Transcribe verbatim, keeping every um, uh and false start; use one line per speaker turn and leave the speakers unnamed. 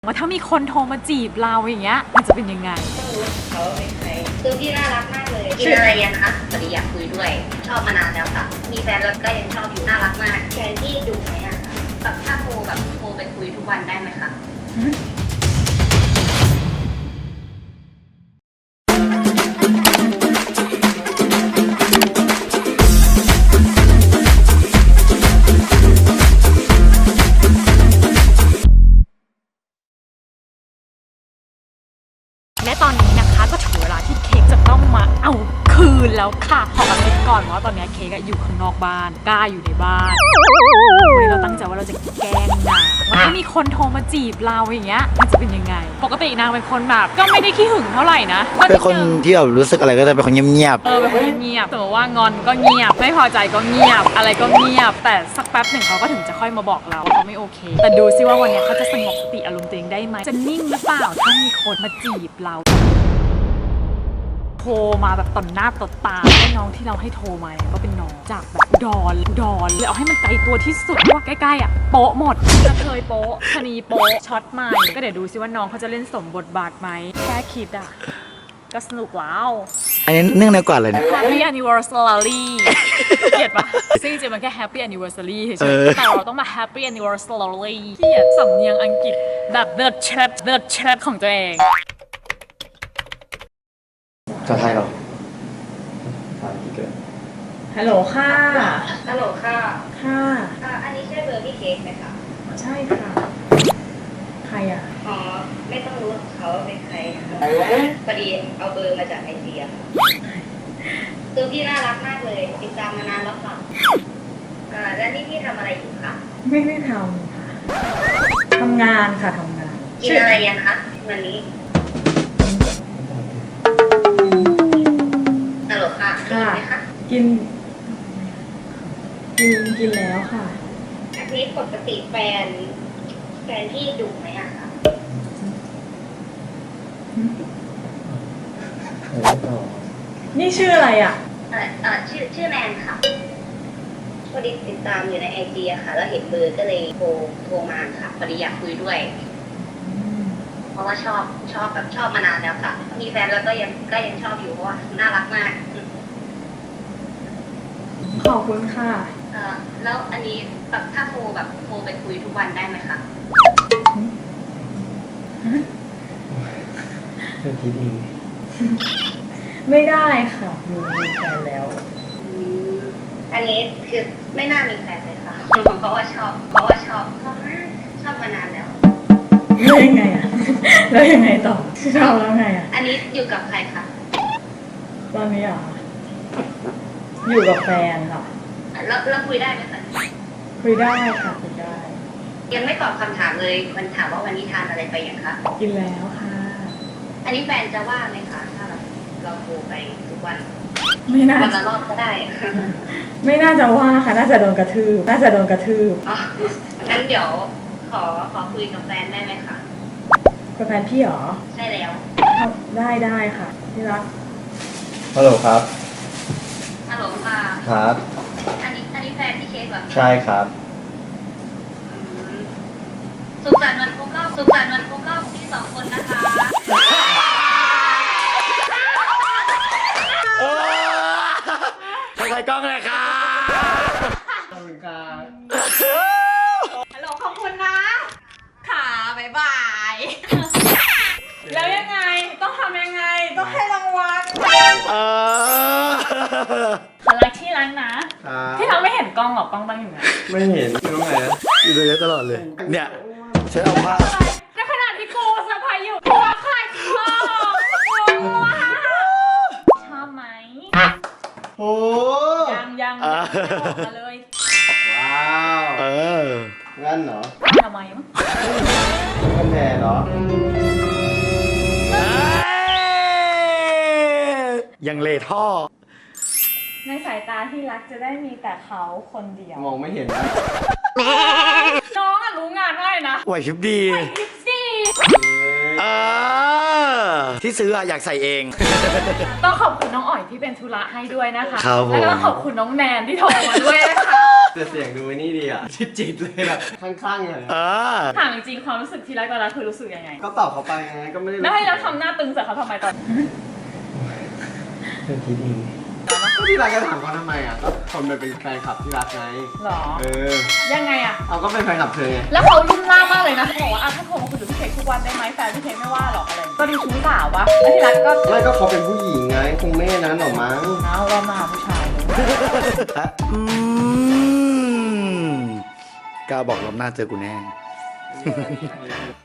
ว่าถ้ามีคนโทรมาจีบเราอย่างเงี้ยมันจะเป็นยังไง
ต้องรู้เขาเป็นใครคือพี่น่ารักมากเลยกินอะไรยังคะพอดีอยากคุยด้วยชอบมานานแล้วค่ะมีแฟนแล้วก็ยังชอบอยู่น่ารักมากแฟนที่ดุไหมอะคะแบบถ้าโทรแบบโทรไปคุยทุกวันได้ไหมคะ
และตอนนี้นะคะก็ถึงเวลาที่เค้กจะต้องมาเอาคืนแล้วค่ะขอกระซิบก่อนว่าตอนนี้เค้กอยู่ข้างนอกบ้านก้าอยู่ในบ้านวันนี้เราตั้งใจว่าเราจะแกล้งนางว่าถ้ามีคนโทรมาจีบเราอย่างเงี้ยมันจะเป็นยังไงปกตินางเป็นคนแบบก็ไม่ได้ขี้หึงเท่าไหร่นะ
เป็นคนที่แบบรู้สึกอะไรก็จะเป็นคนเงียบ
เออเป็นคนเงียบสมมติว่างอนก็เงียบไม่พอใจก็เงียบอะไรก็เงียบแต่สักแป๊บหนึ่งเขาก็ถึงจะค่อยมาบอกเราว่าเขาไม่โอเคแต่ดูซิว่าวันนี้เขาจะสงบสติอารมณ์ตัวเองได้ไหมจะนิ่งหรือเปล่าถ้ามีคนมาจีบเราโทรมาแบบต่อหน้าต่อตาให้น้องที่เราให้โทรมาก็เป็นน้องจากแบบดอนดอนเลยเอาให้มันไกลตัวที่สุดเพราะว่าใกล้ๆอ่ะโป๊ะหมดจะเคยโป๊ะชนีโป๊ะช็อตใหม่ก็เดี๋ยวดูซิว่าน้องเขาจะเล่นสมบทบาทไหมแค่คิดอ่ะก็สนุกแล้ว
ๆอันนี้เนื่องในกว่าเลยเนี่ย
Happy Anniversary เกลียดปะซึ่งจริงๆมันแค่ Happy Anniversary เฉยๆแต่เราต้องมา Happy Anniversary เกลียดสำเนียงอังกฤษแบบเดิร์ดเชดเดิร์ดเชดของตัวเอง
จะไทยเหรอ
ฮัลโหลค่ะ
ฮัลโหลค่ะ
ค่ะ
อ่าอันนี้ใช่เบอร์พี่เค้กไหมคะ
ใช่ค่ะ ใครอ่ะ
อ๋อไม่ต้องรู้เขาเป็นใครค่ะพอดีเอาเบอร์มาจากไอเดียคือพี่น่ารักมากเลยติดตามมานานแล้วค่ะอ่าแล้วนี่พี่ทำอะไรอยู่คะ
ไม่ได้ทำค่ะ ทำงานค่ะทำงาน
กินอะไรยังคะวันนี้ฮัลโหลค่ะกินไหมคะ
กิน กิน กินแล้วค่ะ
อันนี้ปกติแฟนแฟนพี่ดุไหมอะคะ
นี่ชื่ออะไรอ่ะ
เออเออชื่อชื่อแนนค่ะพอดีติดตามอยู่ในไอจีอะค่ะ แล้วเห็นเบอร์ก็เลยโทรโทรมาค่ะพอดีอยากคุยด้วย เพราะว่าชอบชอบแบบชอบมานานแล้วค่ะ มีแฟนแล้วก็ยังก็ยังชอบอยู่เพราะว่าน่ารักมาก
ขอบคุณค่ะ
เออแล้วอันนี้แบบถ้าโทรแบบโทรไปคุยทุกวันได้ไหมคะ
เป็นทีดี
ไม่ได้ค่ะ มีแฟนแล้ว
อืมอันนี้คือไม่น่ามีแฟนเลยค่ะ เพราะว่าชอบเพราะว่าชอบชอบมากชอบมานานแล้ว
แล้วยังไงอ่ะ แล้วยังไงต่อชอบแล้วไงอ่ะ
อันนี้อยู่กับใครคะ
ตอนนี้อ่ะอยู่กับแฟนค่ะ
แล้วแล้วคุยได้ไหมคะ
คุยได้ค่ะคุยได้
ยังไม่ตอบคำถามเลย มันถามว่าวันนี้ทานอะไรไปอย่างคะ
กินแล้วค่ะ
อันนี้แฟนจะว่าไหมคะถ้าเราเราโทรไปทุกวัน
ไม่น่า
วันละรอบก็ได้
ไม่น่าจะว่าค่ะ น่าจะโดนกระทืบ น่าจะโดนกระทืบ
อ๋องั้นเดี๋ยวขอขอคุยกับแฟนได้ไหมคะ
กับแฟนพี่เหรอ
ใช่แล้ว
ได้ได้ค่ะที่รัก
ฮัลโหลครับ
ฮัลโหลค่ะ
ครับ
อันนี้อันนี้แฟนพี่เค้กเหรอ
ใช่ครับ
อืมสุขสันต์วันครบรอบสุขสันต์วันครบรอบของพี่สองคนนะคะ
โอ้ใครกล้องเลยครับขอบคุณครับ
ฮัลโหลขอบคุณนะค่ะบ๊ายบายแล้วยังไงต้องทำยังไงต้องให้รางวัล
เออ
ขอรักที่รักนะที่เราไม่เห็นกล้องหรอกกล้องตั้งอยู่นะ
ไม่เห็นอยู่ตรงไหนนะอยู่ตรงนี้ตลอดเลย เนี่ยฉันเอาผ้า
ในขณะที่กูสะพายอยู่กูว่าใครชอบชอบไหม
โอ้
ยังยังไม่บอกมาเลย
ว้าว เอองั้นเหรอ
ทำไมมั้ง
กันแดดเหรอยังเลท่อ
ในสายตาที่รักจะได้มีแต่เขาคนเดียว
มองไม่เห็นนะ
น้องอะรู้งานได้นะ
ไหวชิบดี
ยิปซี่
เออที่ซื้ออะอยากใส่เอง
ต้องขอบคุณน้องอ๋อยที่เป็นธุระให้ด้วยนะคะ
ครับผม
แล้วก็ขอบคุณน้องแนนที่โทรมาด้วยนะคะ
แต่เสียงดูนี่ดีอ่ะจิตจิตเลยแบบคลั่งๆเลย
เออ
ถามจริงๆความรู้สึกที่รักตอนนั้นคือรู้สึกยังไง
ก็ตอบเขาไปไงก็ไม่ได้
แล้วให้เราทำหน้าตึงใส่เขาทำไมตอน
เรื่องคิดเองก็ที่รักจะถามเขาทำไมอ่ะก็คนมันเป็นแฟนคลับที่รักไง
หรอ
เออ
ยังไงอะ
เอาก็เป็นแฟนคลับเธอไง
แล้วเขารุ่นล่ามากเลยนะเขาบอกว่าอ่ะถ้าโทรมาคุยกับพี่เค้กทุกวันได้ไหมแฟนพี่เค้กไม่ว่าหรอกอะไรก็ดูชู้สาววะแล้วที่รักก็
ไม่ก็เขาเป็นผู้หญิงไงคงไม่นั้นหรอกมั้ง
เอาเรามาหาผู้ชายเลย
อืมกล้าบอกรอบหน้าเจอกูแน่